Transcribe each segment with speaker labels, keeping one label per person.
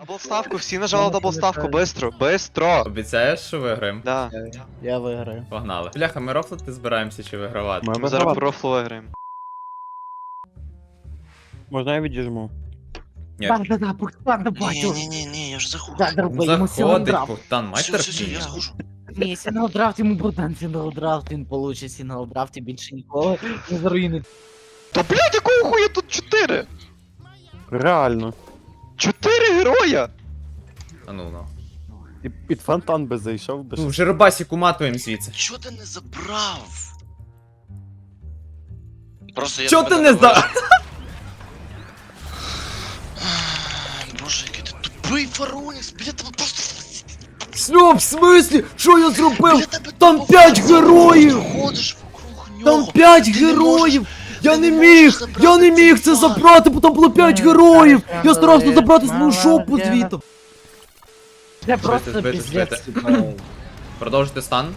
Speaker 1: Даблставку, всі нажали даблставку, бистро, бистро!
Speaker 2: Обіцяєш, що виграємо?
Speaker 1: Да.
Speaker 3: Я виграю.
Speaker 2: Погнали. Бляха, ми рофлити збираємося чи вигравати?
Speaker 1: Ми зараз по рофлу виграємо.
Speaker 4: Можна я відіжму?
Speaker 2: Ні.
Speaker 3: Да, Богдан, бачу.
Speaker 5: Ні, я ж заходжу.
Speaker 3: Да, дорогой, йому сигнал
Speaker 2: Заходить
Speaker 3: драфт.
Speaker 2: Богдан, майстер.
Speaker 5: Все, я заходжу.
Speaker 3: Ні, сигнал драфт, йому Богдан сигнал драфт, він получить сигнал драфт і більше ніколи не заруїнить.
Speaker 1: Та блядь, якого хуя тут 4?
Speaker 4: Реально.
Speaker 1: 4 героя!
Speaker 2: А ну.
Speaker 4: І під фонтан би зайшов би.
Speaker 2: Ну, вже рибасіку матуємо звідси.
Speaker 5: Чого ти не забрав? Просто я
Speaker 2: Чо
Speaker 5: тебе
Speaker 2: ти не
Speaker 5: вижу. Боже, який ти тупий Фаронікс, біля тебе просто...
Speaker 2: Що, в смислі? Що я зробив?
Speaker 5: Біля тебе
Speaker 2: Там
Speaker 5: тупо
Speaker 2: 5
Speaker 5: фасон,
Speaker 2: героїв!
Speaker 5: ти ходиш вокруг нього.
Speaker 2: Там 5
Speaker 5: Ти не
Speaker 2: героїв! Я
Speaker 5: ти
Speaker 2: не
Speaker 5: не
Speaker 2: міг!
Speaker 5: можеш забрати
Speaker 2: Я не міг
Speaker 5: цей
Speaker 2: це
Speaker 5: фан.
Speaker 2: забрати, бо там було 5 героїв! Я старався забрати свою шопу
Speaker 3: Молодець.
Speaker 2: звідти.
Speaker 3: Це просто
Speaker 2: збити,
Speaker 3: піздець.
Speaker 2: Продовжити стан.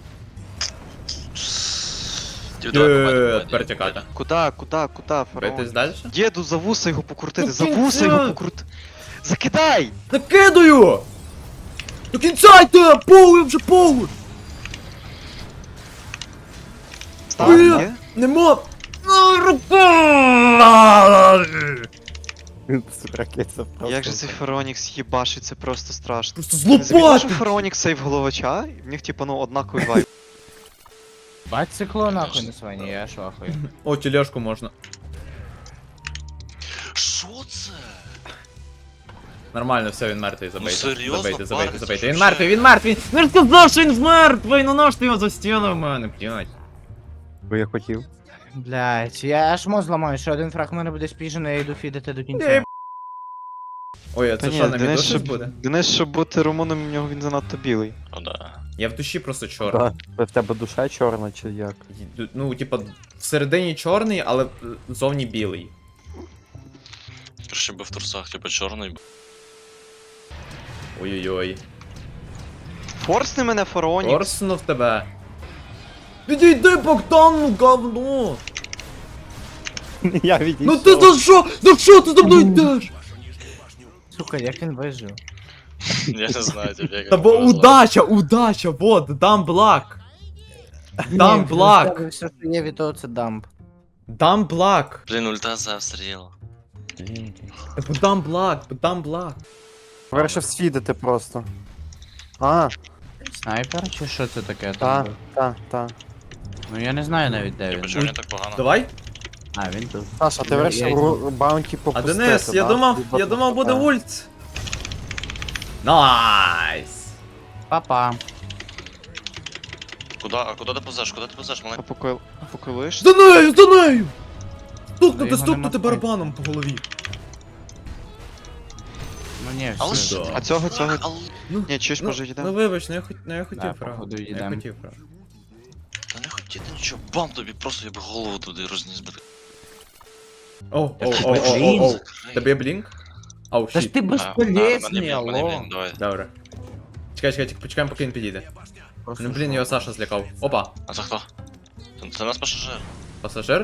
Speaker 2: Тепер тікати.
Speaker 1: Куда,
Speaker 2: Битись
Speaker 1: фараон?
Speaker 2: далі?
Speaker 1: Діду, за вуса його покрутити,
Speaker 2: Ну,
Speaker 1: за
Speaker 2: кінця!
Speaker 1: вуса його покрути. Закидай!
Speaker 2: Накидаю! До кінця йде! Поуй вже поуй!
Speaker 1: Став,
Speaker 2: Ні.
Speaker 1: є?
Speaker 2: Нема!
Speaker 4: Ракетця просто.
Speaker 1: Як же цей Фаронікс їбашить, це просто страшно.
Speaker 2: Просто
Speaker 1: Ти замітив, що
Speaker 2: злопати!
Speaker 1: Фаронікс сейв головача? В них типа, ну, однаковий вайб.
Speaker 3: Бать цикло нахуй на свині, я швахую.
Speaker 2: О, тележку можна.
Speaker 5: Що це?
Speaker 2: Нормально, все, він мертвий, забийте.
Speaker 5: серйозно?
Speaker 2: Забийте.
Speaker 5: Париться,
Speaker 2: Він
Speaker 5: що
Speaker 2: мертвий,
Speaker 5: ще?
Speaker 2: він мертвий! Ну ж сказав, що він мертвий! Ну наш ти його застінив в мене, блядь.
Speaker 4: Бо я хотів.
Speaker 3: Блять, я аж мозг зламаю, що один фраг в мене буде спіжений, я йду фідити до
Speaker 2: Ей,
Speaker 3: кінця.
Speaker 2: Ой, а
Speaker 1: Та
Speaker 2: це
Speaker 1: ні,
Speaker 2: що, на
Speaker 1: Денис,
Speaker 2: віду щось
Speaker 1: щоб-
Speaker 2: буде?
Speaker 1: Денис, щоб бути Румуном, в нього він занадто білий.
Speaker 5: О, да.
Speaker 2: Я в душі просто чорний.
Speaker 4: Да. В тебе душа чорна чи як?
Speaker 2: Ну, типа, всередині чорний, але зовні білий.
Speaker 5: Краще би в трусах, типу, чорний.
Speaker 2: Ой-ой-ой.
Speaker 1: Форсни мене, Фаронікс.
Speaker 2: Орснув тебе. Підійди, Богдан, ну говно!
Speaker 4: Я відійшов.
Speaker 2: Ну ти за що? За що ти за мною йдеш?
Speaker 3: Сука, як він вижив?
Speaker 5: Я не знаю, тебе як
Speaker 2: Та бо
Speaker 5: повезло.
Speaker 2: удача, вот, дам блак. Дам
Speaker 3: Ні,
Speaker 2: блак.
Speaker 3: Все, що є від того, це дамп.
Speaker 2: Дам блак.
Speaker 5: Блін, ульта завстріла.
Speaker 2: Дам блак.
Speaker 4: Вирішив свідити просто. А,
Speaker 3: Снайпер чи що це таке?
Speaker 4: та, та.
Speaker 3: Ну я не знаю навіть де
Speaker 5: Я
Speaker 3: він.
Speaker 5: почув, не так погано.
Speaker 2: Давай.
Speaker 3: А, він тут.
Speaker 4: Саша, ти
Speaker 3: Ну,
Speaker 4: вирішив
Speaker 3: я-
Speaker 4: баунті
Speaker 2: А
Speaker 4: попустити,
Speaker 2: Денис, я
Speaker 4: да?
Speaker 2: думав буде ульт. Найс.
Speaker 3: Папа.
Speaker 5: А куди ти повзеш? Куди ти повзеш, маленький?
Speaker 1: Поколиш?
Speaker 2: За нею!
Speaker 3: його нема
Speaker 2: Стукнути барабаном по голові.
Speaker 3: Ну ні,
Speaker 5: Але
Speaker 3: все.
Speaker 5: що
Speaker 2: да.
Speaker 5: ти?
Speaker 1: А цього?
Speaker 5: Але...
Speaker 1: Ні, чуєш, може
Speaker 2: Ну
Speaker 1: йдемо?
Speaker 2: вибач, я хотів,
Speaker 3: Да,
Speaker 2: правда.
Speaker 3: походу,
Speaker 2: Я
Speaker 3: йдем.
Speaker 2: хотів, правда.
Speaker 5: Та не хотіти нічого, бам тобі, просто я б голову туди розніс би.
Speaker 2: О.
Speaker 5: Закрий.
Speaker 2: Тебе є блінк? Ау,
Speaker 3: Та ж
Speaker 2: щит.
Speaker 3: ти
Speaker 5: Мене
Speaker 3: безполезний,
Speaker 5: блін,
Speaker 3: алло.
Speaker 5: давай.
Speaker 2: Добре. Чекай, почекаємо, поки він підійде. Ну блін, його Саша злякав. Опа,
Speaker 5: А це хто? Це наш пасажир.
Speaker 2: пасажир?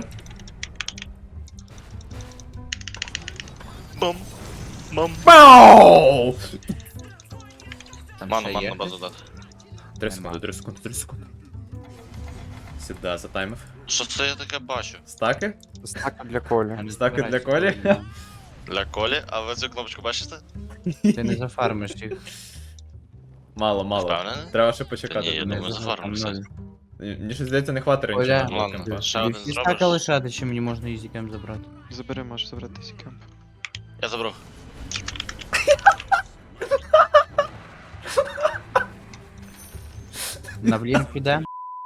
Speaker 5: Бам. Бам.
Speaker 2: Бау!
Speaker 3: Там
Speaker 5: Ману,
Speaker 3: ще
Speaker 5: ману
Speaker 3: є?
Speaker 5: на базу дати.
Speaker 2: 3 секунди. Сюда, затаймив.
Speaker 5: Що це я таке бачу?
Speaker 2: Стаки?
Speaker 4: Стака для Колі.
Speaker 3: Я не
Speaker 2: Стаки для
Speaker 3: збираюсь
Speaker 2: Колі?
Speaker 3: туди.
Speaker 5: Для Колі, а ви цю кнопочку бачите?
Speaker 3: Ти не зафармиш їх.
Speaker 2: Мало.
Speaker 5: Впевнений?
Speaker 2: Треба ще
Speaker 5: Та ні,
Speaker 2: почекати.
Speaker 5: я думаю, зафармимо все.
Speaker 2: Мені щось здається, не хватить
Speaker 3: Оля.
Speaker 2: раніше.
Speaker 5: Ладно,
Speaker 2: кемпа.
Speaker 5: ще один
Speaker 3: Всі
Speaker 5: зробиш?
Speaker 3: стака лишати, чи мені можна ізікем забрати.
Speaker 1: Забери, можеш забрати сікемп.
Speaker 5: Я забрав.
Speaker 3: На блінк іде.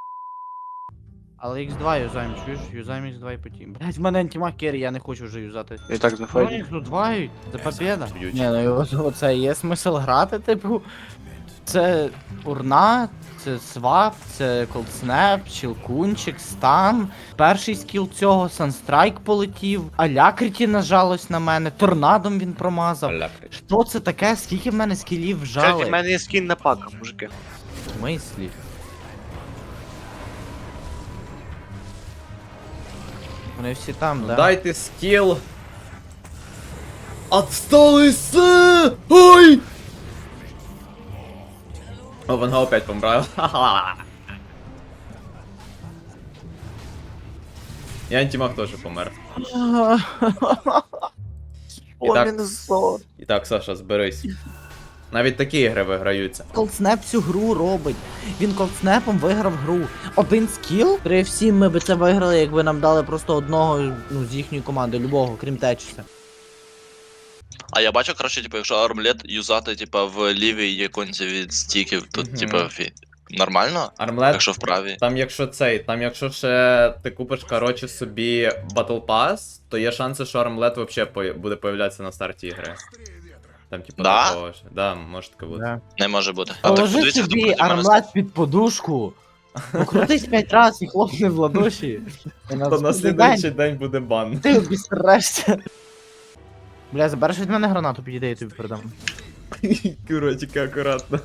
Speaker 3: Але X2 юзаємо, чуєш? Юзаємо X2 і потім. Блять, в мене антимаг керрі, я не хочу вже юзати.
Speaker 4: І так знаходить.
Speaker 3: Їх тут двають, це побєда.
Speaker 2: Б'ють.
Speaker 3: Ні, ну оце є смисл грати, типу. Це урна, це свап, це колдснеп, чілкунчик, стан. Перший скіл цього Санстрайк полетів, Алякриті нажалось на мене, торнадом він промазав. Що це таке? Скільки в мене скілів вжали?
Speaker 6: В мене є скін на пака, мужики.
Speaker 3: В мислі? Вони всі там, да?
Speaker 2: Дайте скіл. Отсталися! Ой! О, Ванга опять помрав. І антимаг теж помер. І так, і так, Саша, зберись. Навіть такі ігри виграються.
Speaker 3: Колдснеп всю гру робить. Він колдснепом виграв гру. Один скіл? 3-7 ми би це виграли, якби нам дали просто одного з їхньої команди, любого, крім Течіса.
Speaker 5: А я бачу, коротше, типу, якщо армлет юзати, типу, в лівій іконці від стіків, то, типу, нормально?
Speaker 2: Армлет,
Speaker 5: Якщо в правій.
Speaker 2: там якщо ще ти купиш, коротше, собі Battle Pass, то є шанси, що армлет вообще буде появлятися на старті ігри. Там, типу,
Speaker 5: Да?
Speaker 2: такого ж. Да, може таке бути.
Speaker 5: Не може бути. А так
Speaker 3: Положи
Speaker 5: подивіться, хто
Speaker 3: собі
Speaker 5: проти мене
Speaker 3: армлет під подушку. Покрутись 5 разів і хлопни в ладоші. І
Speaker 2: То на слідуючий день буде бан.
Speaker 3: Ти обістрешся. Бля, забереш від мене гранату, підійди, я тобі передам.
Speaker 2: Курочки, акуратно.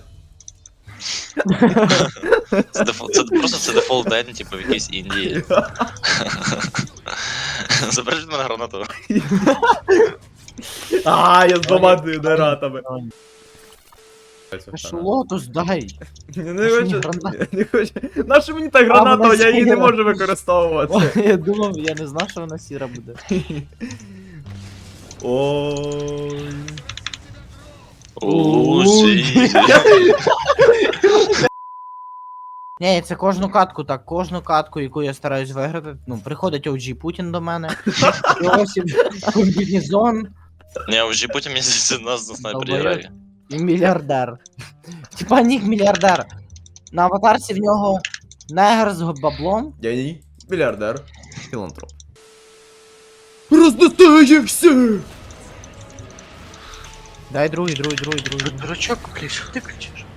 Speaker 5: Це просто це дефолт день, типу, в якійсь Індії. Забереш від мене гранату.
Speaker 2: А, я з двома дератами.
Speaker 3: Аж лотус дай.
Speaker 2: Не
Speaker 3: Аж
Speaker 2: хочу,
Speaker 3: граната.
Speaker 2: не хочу. Нащо мені та граната,
Speaker 3: вона
Speaker 2: я її не
Speaker 3: сіра.
Speaker 2: можу використовувати.
Speaker 3: Я думав, я не знав, що вона сіра буде.
Speaker 2: Ой.
Speaker 5: Усі.
Speaker 3: Ні, це кожну катку, так, кожну катку, яку я стараюсь виграти. Ну, приходить OG Путін до мене. Йосип, комбінезон
Speaker 5: Ні, вже потім місяці нас на снайпері
Speaker 3: Долбоєб.
Speaker 5: грає.
Speaker 3: і мільярдер. Типа нік мільярдер. На аватарці в нього негр з баблом.
Speaker 2: Геній, мільярдер, філантроп. Роздостаєшся!
Speaker 3: Дай другий.
Speaker 5: Дурачок, блядь, що ти кричиш?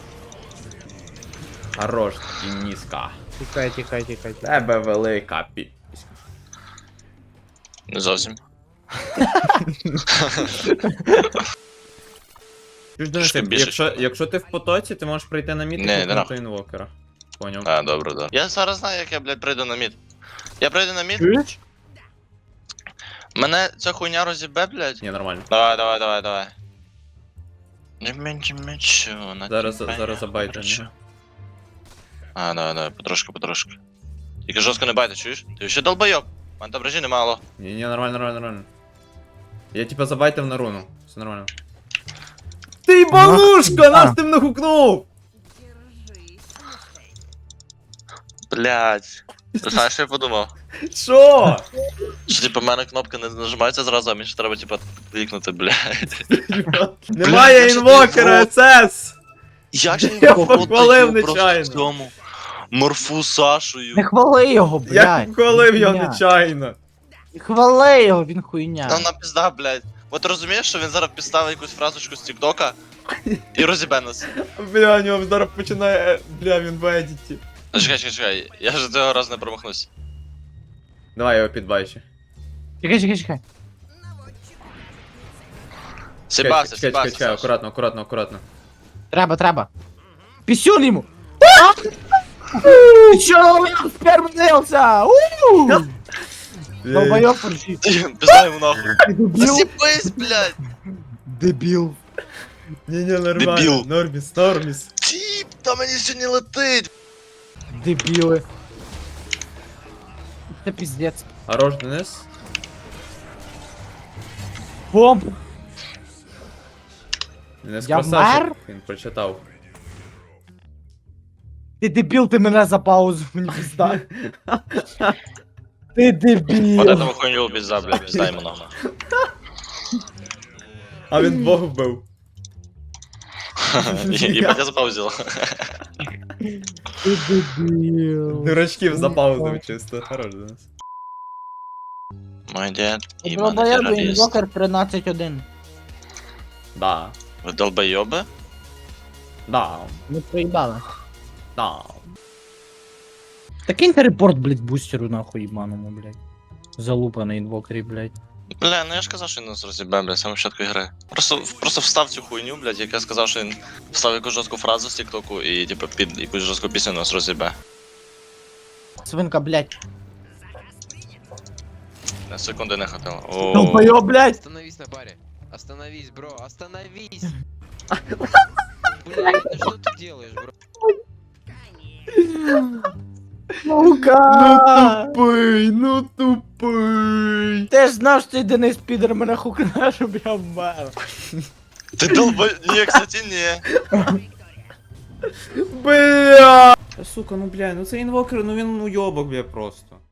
Speaker 2: Хорош, Дениска.
Speaker 3: Тікай.
Speaker 2: Тебе велика пі...
Speaker 5: Не зовсім. Що більше?
Speaker 2: Якщо ти в потоці, ти можеш прийти на мід і
Speaker 5: Не,
Speaker 2: купити
Speaker 5: нахуй.
Speaker 2: інвокера. Поняв.
Speaker 5: А, добре, да. Я зараз знаю, як я, блядь, прийду на мід. Я прийду на мід,
Speaker 3: Чуєш?
Speaker 5: мене ця хуйня розібе, блядь.
Speaker 2: Ні, нормально.
Speaker 5: Давай. Не менше мечу, на
Speaker 2: Зараз забайте. ні?
Speaker 5: А, давай, потрошки. Тільки жорстко не байте, чуєш? Ти ще долбойоб. У мене там режі немало.
Speaker 2: Ні, нормально. Я типа забайтив на руну. Все нормально. Ти балушка! Нас ти нахукнув!
Speaker 5: Блядь. Ти знаєш, що я подумав?
Speaker 2: Що?
Speaker 5: Що, типу, в мене кнопка не нажимається зразу, а мені ще треба, типу, клікнути, блядь.
Speaker 2: Немає
Speaker 5: Блядь,
Speaker 2: інвокера, СС!
Speaker 5: Як же
Speaker 2: Я
Speaker 5: його
Speaker 2: похвалив
Speaker 5: просто
Speaker 2: нечайно.
Speaker 5: цьому морфу Сашою.
Speaker 3: Не хвали його,
Speaker 2: Я
Speaker 3: блядь.
Speaker 2: вколив його
Speaker 3: Хуйня.
Speaker 2: нечайно.
Speaker 3: Не хвали його, він хуйня.
Speaker 5: Там на пізда, блядь. От розумієш, що він зараз підставить якусь фразочку з тіктока і розібе нас.
Speaker 2: Бля, у нього зараз починає. Бля, він в едіті.
Speaker 5: Ну, чекай, я ж цього разу не промахнусь.
Speaker 2: Давай я його підбачу.
Speaker 3: Чекай.
Speaker 5: Сібався,
Speaker 2: Чекай,
Speaker 5: Саша.
Speaker 2: акуратно.
Speaker 3: Треба. Пісюн йому! Ты чё, я впервнился? Долбоёб фаршит.
Speaker 5: Пізда йому нахуй.
Speaker 3: Дебил.
Speaker 5: Засіпись, блядь.
Speaker 3: Дебил.
Speaker 2: Ні, нормально.
Speaker 5: Дебіл.
Speaker 2: Норміс.
Speaker 5: Тіп, та мені сьогодні летить.
Speaker 3: Дебилы. Это пиздец.
Speaker 2: Хорош, Денис.
Speaker 3: Бомб.
Speaker 2: Денис
Speaker 3: Я
Speaker 2: красавчик.
Speaker 3: мер?
Speaker 2: Він прочитав.
Speaker 3: Ти дебіл, ти мене за паузу, мені пізда. Ти
Speaker 5: Вот
Speaker 3: дебіл.
Speaker 5: этого хуйню пізда, блядь, пізда йому нахуй.
Speaker 2: А він двох вбив.
Speaker 5: Ебать, я запаузил.
Speaker 3: Ти дебіл.
Speaker 2: Дурачків запаузив чисто. Хорош, Денис.
Speaker 5: Мой дед, ебаный
Speaker 3: Долбоєб,
Speaker 5: террорист.
Speaker 3: інвокер 13-1.
Speaker 2: Да.
Speaker 5: Вы долбоёбы?
Speaker 3: Ми проїбали.
Speaker 2: Да.
Speaker 3: Та киньте репорт, блядь, бустеру нахуй ебаному, блядь. Залупаний інвокері, блядь.
Speaker 5: Бля, ну я ж казав, що він нас розібе, блядь, саме початку ігри. Просто встав цю хуйню, блядь, як я сказав, що він встав якусь жорстку фразу з тіктоку і, типу, під якусь жорстку пісню нас розібе.
Speaker 3: Свинка, блядь.
Speaker 5: На секунди не хватило. О,
Speaker 3: Долбоёб, блядь.
Speaker 6: Остановись на баре. Остановись, бро, остановись. Блядь, ну что ты делаешь, бро?
Speaker 3: Сука!
Speaker 2: Тупий, ну тупий.
Speaker 3: Ти ж знав, що цей Денис підер мене хукне, щоб я вмер.
Speaker 5: Ти долбай... Ні, кстати, ні.
Speaker 2: Бля! Сука, ну бля, ну це інвокер, ну він уйобок, бля, просто.